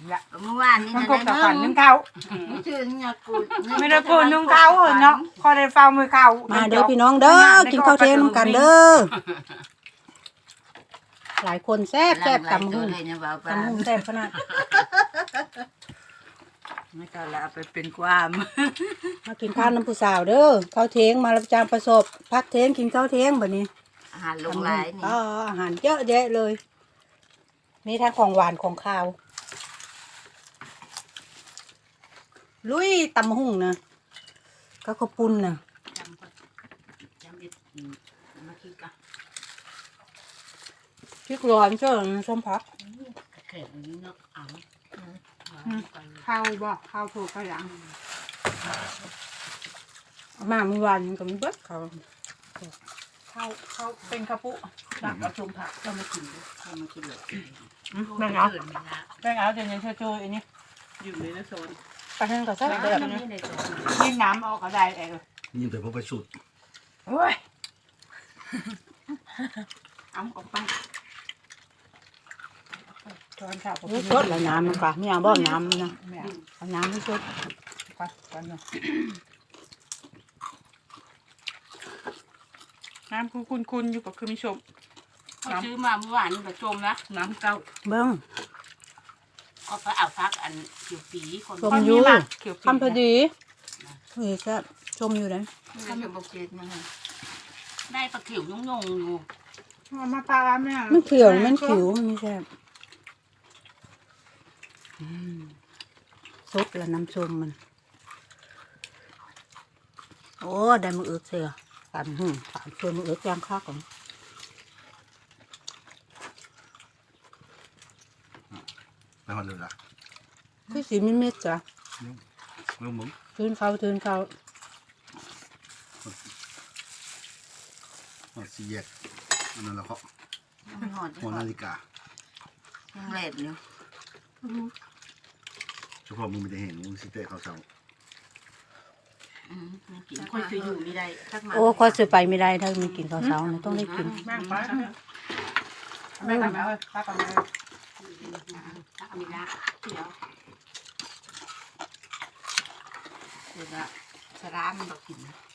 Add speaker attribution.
Speaker 1: ละ
Speaker 2: เมื่อวานนี่
Speaker 1: มัน
Speaker 2: นะ
Speaker 1: กบกับฝันนึ่งเขา
Speaker 2: ไม่ชื่อเนี่ยกู
Speaker 1: ไม่ได้กูนึ่งเขาเนาะพอได้เฝ้ามือเขา
Speaker 3: มาเด้อพี่น้องเด้อกินข้าวเที่ยงน้ำกันเด้อหลายคนแซ่บแซ่บตำหุ่ง
Speaker 2: เลยเนี่ยบ่าว
Speaker 3: ตำหุ่งแซ่บขนาด
Speaker 2: ไม่ก็ละไปเป็นความ
Speaker 3: มากินข้าวน้ำผู้สาวเด้อข้าวเที่ยงมารับจางประสบพักเที่ยงกินข้าวเที่ยงแบบนี้
Speaker 2: อาหารลงหลายนี่
Speaker 3: อ๋ออาหารเยอะแยะเลยมีทั้งของหวานของข้าวลุยตำหุ่งนะก็ข้าวปุ้นนะ
Speaker 2: จำดิมาคิดกัน
Speaker 3: พริกร้อนเจ้าส้มพัก
Speaker 2: แข็งนี้เนาะเอา
Speaker 1: ข้าวบ่ข้าวถูกข้าวหลัง
Speaker 3: มาเมื่อวานก็มีเบิดเขา
Speaker 1: ข้าวเป็นข้าวปุตักเอาชมผัก
Speaker 2: ก็มากินด้วยก็มากินเลย
Speaker 1: แม่งเอาแม่งเอาเดี๋ยวนี้โชว์อันนี้
Speaker 2: อยู่ในโซน
Speaker 3: ไปทางก็แซ่บเลยแบบนี้
Speaker 2: ในโซน
Speaker 1: ยิ่งน้ำออกก็ได้เอง
Speaker 4: ยิ่งแต่พวกไปสุด
Speaker 1: โอ้ยเอาออกไปตอนเช้า
Speaker 3: นี่สดแล้วน้ำมันก็ไม่เอาบ่อน้ำนะ
Speaker 1: แม่
Speaker 3: เอาน้ำให้สด
Speaker 1: ก่อนเนาะน้ำคุณอยู่กับคือมิชม
Speaker 2: เขาซื้อมาเมื่อวานผสมนะน้ำเก้า
Speaker 3: เบิ้ง
Speaker 2: ก็ไปเอาพักอันเขียวปีคน
Speaker 3: ชมอยู่
Speaker 1: เขียว
Speaker 3: ทำพอดีนี่แซ่บชมอยู่นะ
Speaker 2: ทำเป็นโปรเจกต์นะได้ปลาเขียวยุ่งๆอยู่
Speaker 1: มาปลาแม่
Speaker 3: มันเขียวมันขิวมันไม่แซ่บสดแล้วน้ำชมมันโอ้ได้มืออึกเสียฝันฝันชวนมืออึกย่างข้าวก่อน
Speaker 4: แล้วมันเลยล่ะ
Speaker 3: คือสีมิดมิดจ้ะ
Speaker 4: ลูกมึง
Speaker 3: ทืนเขา
Speaker 4: สีแยกอันนั้นแล้วเขา
Speaker 2: หอด
Speaker 4: หัวนาฬิกา
Speaker 2: ยังแหลมอยู่
Speaker 4: เฉพาะมึงไม่ได้เห็นมึงสิเตะเขาเสา
Speaker 2: ไม่กินค่อยซื้ออยู่ไม่ได้สักมา
Speaker 3: โอ้ข้อซื้อไปไม่ได้ถ้ามีกินข้าวเช้านะต้องได้กิน
Speaker 1: แม่ไปแม่ทำแล้วป้าทำแล้ว
Speaker 2: ถ้ามีละเดี๋ยวเดี๋ยวสาระมันบอกกิน